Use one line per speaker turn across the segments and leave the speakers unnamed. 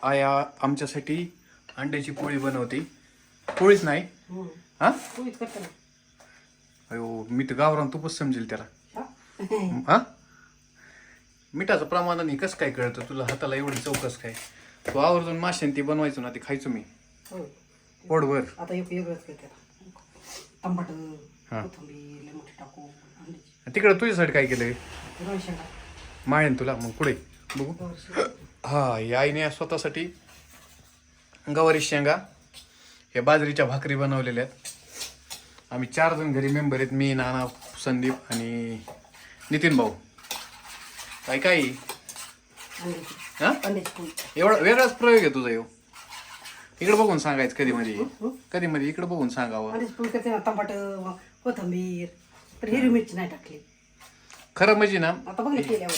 आया आमच्यासाठी अंड्याची पोळी बनवते. पोळीच नाही हा
पोळीच करते ना.
अयो मी तर गावरान तूपच समजेल त्याला. हा मिठाचं प्रमाण आणि कसं काय कळतं तुला हाताला एवढी चौकस काय. तू आवर्जून माशांती बनवायचो ना ते खायचो मी पोटभर.
आता एक वेगळंच करते टमाट
हा.
कोथिंबीर लय मोठी टाकू अंड्याची
तिकडं तुझ्यासाठी काय केलंय
रवा शेंगा
माळेन तुला मग पुढे बघू. हा या आईने स्वतःसाठी गवारी शेंगा हे बाजरीच्या भाकरी बनवलेल्या आहेत. आम्ही 4 जण घरी मेंबर आहेत. मी, नाना, संदीप आणि नितीन भाऊ. काय काय
अंड्याची
हा
अंड्याची पोळी.
एवढा वेगळाच प्रयोग आहे तुझा येऊ. इकडे बघून सांगायचं कधी मध्ये इकडे बघून सांगावं.
अंड्याची पोळी करते ना. टमाट कोथिंबीर पण हिरवी मिरची नाही टाकली.
खरं म्हणजे ना
आता बघ ना केल्यावर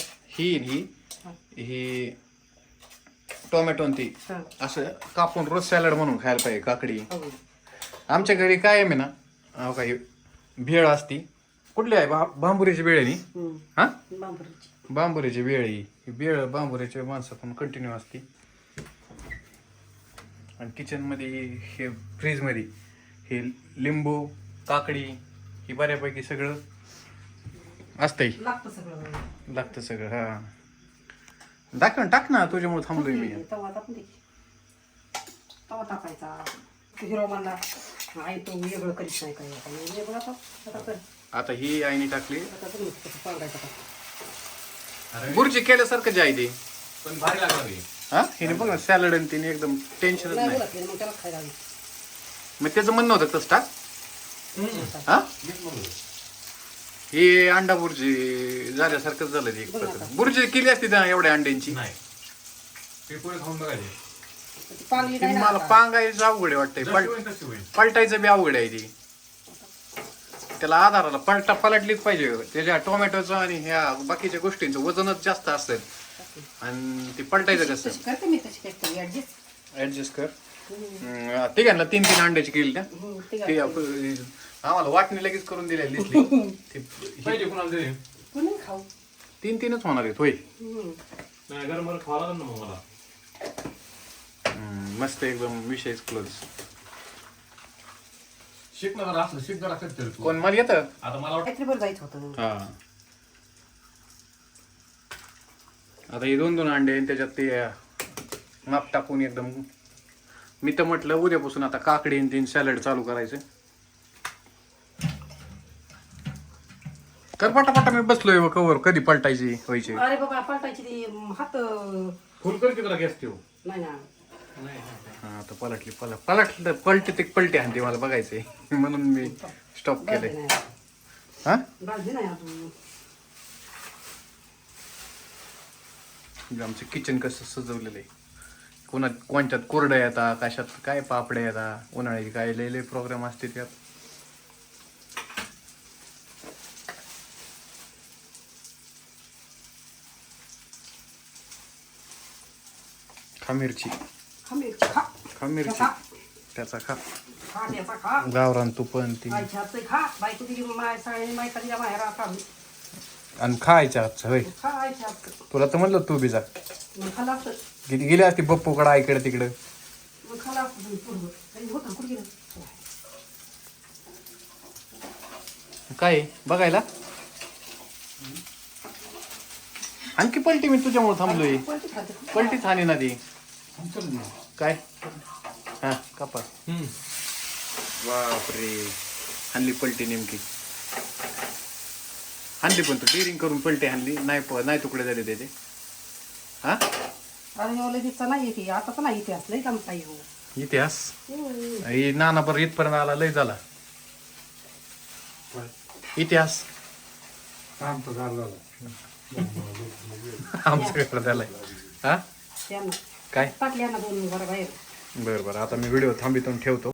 ही टोमॅटो आणि ती
हा.
असं कापून रोज सॅलड म्हणून खायला पाहिजे. काकडी
हो.
आमच्या घरी काय आहे ना काही भेळ असती. कुठली आहे बांबुरीची भेळ आहे नी. हा
बांबूची
बांबुरीची भेळ ही भेळ बांबुरीची माणसं पण कंटिन्यू असती. आणि किचन मध्ये हे फ्रीज मध्ये हे लिंबू काकडी ही बऱ्यापैकी सगळं असतंय. लागतं सगळं. हा टाक ना तुझ्यामुळे थांबलोय मी.
तवा टाकून दे. तवा टाकायचा. हिरो म्हणला आई तो वेगळं करीत नाही काय आता वेगळं आता कर.
आता ही आईने टाकली
आता तुम्ही कसं पाडायचं का.
बुर्जी केल्यासारखं जे आहे ते
पण भारी लागणार
हा हिने बघ ना सॅलड आणि तिने एकदम टेन्शनच
नाही
नाही.
बोलत मग त्याला खायला हवी.
मग त्याचं म्हणणं होतं तसं टाक. हा हे अंडा बुर्जी झाल्यासारखंच झालं ते एक प्रकार. बुर्जी केली असती ना एवढ्या अंड्यांची.
नाही ते पोळे खाऊन बघायचे.
ते पाणी
ती
नाही ना
मला
आता.
पांगायचं अवघड आहे वाटतंय.
जशी होईल तशी होईल.
पलटायचं बी अवघड आहे ती. त्याला आधाराला पलटलीच पाहिजे. त्याच्या टोमॅटोचं आणि ह्या बाकीच्या गोष्टींचं वजनच जास्त असतं. आणि ते पलटायचं कसं
तशी करते मी तशी करते ऍडजस्ट.
ऍडजस्ट कर. ठीक आहे ना 3 अंड्याची केली ना ते आम्हाला वाटणी लगेच करून दिलेली दिसली. ते
पाहिजे कुणाला तरी.
कोणी खाऊ.
3 होणार आहेत होय.
नाही गरम गरम खावा लागेल ना मग मला.
मस्त एकदम विषयच क्लोज.
शिक ना जरा असलं शिक जरा करते तू.
कोण मला येतं.
आता मला वाटतं
रात्रीभर जायचं होतं.
हा आता हे 2 अंडे आणि त्याच्यात ते माप टाकून एकदम. मी तर म्हटलं उद्यापासून आता काकडी आणि 3 सॅलड चालू करायचं. कर पटापटा मी बसलोय कवर कधी पलटायची व्हायची.
अरे बाबा पलटायची ती हात
फुल कर की जरा गॅस ठेव.
नाही ना.
हा आता पलटी पलटी हाणते मला बघायचंय म्हणून मी स्टॉप
भाजली
केलंय.
नाही.
हा
भाजली नाही अजून.
आमचं किचन कसं सजवलेलं आहे. कोणत्यात कोरड्या येतात कशात काय पापड्या येतात उन्हाळ्याची काय लय प्रोग्राम असते त्यात. खा मिरची
खा मिरची खा.
खा मिरची
खा.
त्याचा खा
खा त्याचा खा.
गावरान तूप आणि ती
खायच्या हातचं खा. बायको दिली माय साडी मायका दिला माहेर आता
आणि खायच्या आजचं होय.
खायच्या हातचं.
तुला तर म्हणलं तू बी जा.
मग खाला असतं.
किती गेली असती बप्पूकडं आईकडे तिकडं.
मग खाला असतं तुम्ही पूर्व. काही होतं कुठे गेलं.
काय बघायला आणखी पलटी मी तुझ्यामुळे थांबलोय.
कोणती खाते.
पलटीच हानी ना ती काय हा कापा बापरे हानली पलटी नेमकी हानली पण तू डेअरिंग करून पलटी हानली नाही तुकडे झाले त्याचे. हा
अरे एवढं दिवसा नाही येते आता तर नाही येते असलं काम काही हो.
इतिहास नाना बरं इथपर्यंत आला लय झाला इतिहास. आमच्याकडे झालाय. हा
त्यांना
काय
टाकल्या ना 2 घरा बाहेर.
बरं आता मी व्हिडिओ थांबितून ठेवतो.